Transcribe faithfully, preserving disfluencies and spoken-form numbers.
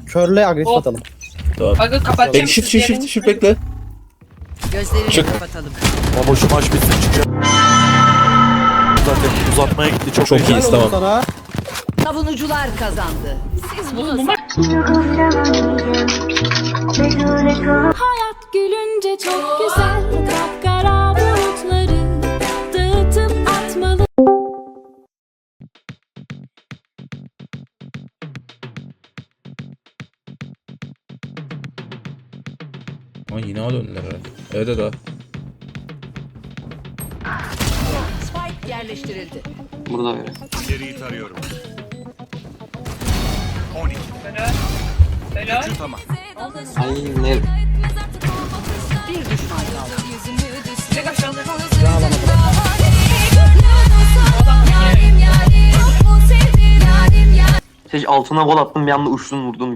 Körle agresif Hop. atalım. Aga kapatacağım. Bekle shift shift shift shift bekle. Gözlerini Çık. kapatalım. Baba şu maç bitsin çıkacağım. Zaten uzatmaya gitti çok, Çok heyecanlı. iyiyiz, Helal olsun tamam. sana. Savunucular kazandı. Siz Bu, bunu bu maç Hayat gülünce çok güzel, kapkara bulutları dağıtıp atmalı. Aa yine A döndüler herhalde. Evet evet. Spike yerleştirildi. Burada böyle. İleriyi tarıyorum. helal. Tamam. Ay ne? Bir düşman kaldı. Tek aşağıda. Seç altına gol attım bir anda uçtun vurdun.